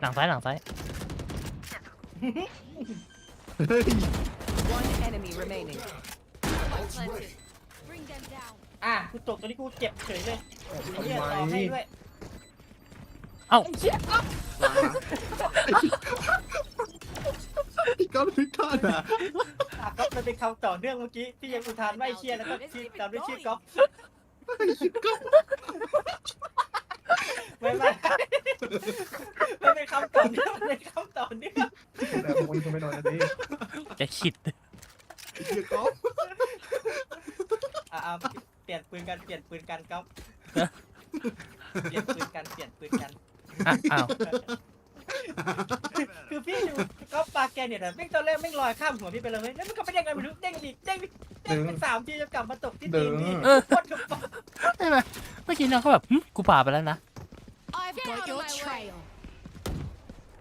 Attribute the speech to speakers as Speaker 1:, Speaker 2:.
Speaker 1: หลังซ้ายหลังซ้าย
Speaker 2: เฮ้ย
Speaker 3: One enemy remaining.
Speaker 4: กูตกตัวนี้กูเจ็บเฉยเลยไอ้เหี้ยต่อให้ด้วย
Speaker 1: เอ้า
Speaker 4: ไอ้เชี่ยก๊อฟ
Speaker 2: พี่ก้อนพิฆาตอ่ะ
Speaker 4: ก๊อฟมันเป็นคำต่อเนื่องเมื่อกี้ที่ยังอุทานว่าไอ้เชี่ยแล้วก็ชื่อตามด้วยชื่อก๊อฟไม่มันเป็นคำต่อเนื่องมันเป็นคำต่อเนื่อง
Speaker 5: แต่คนก็ไม่นอนกันดิ
Speaker 1: จะขิด
Speaker 2: ไอ้เหี้ยก๊อฟ
Speaker 4: เปลี่ยนปืนกันก๊อฟเปลี่ยนปืนกัน
Speaker 1: อ้าว
Speaker 4: คือพี่ดูก๊อฟปาแกเนี่ยแต่แม่งตอนแรกแม่งลอยข้ามหัวพี่ไปเลยเว้ยแล้วมันก็ไม่ได้ไงไม่รู้เด้งอีกเด้งเป็น3 ทีจะกลับมาตกที่ตีนพี่โคตรกระป๋อง
Speaker 1: ใช่ไหมเมื่อกี้น้องเขาแบบกูป่าไปแล้วนะ
Speaker 3: I've got your trail.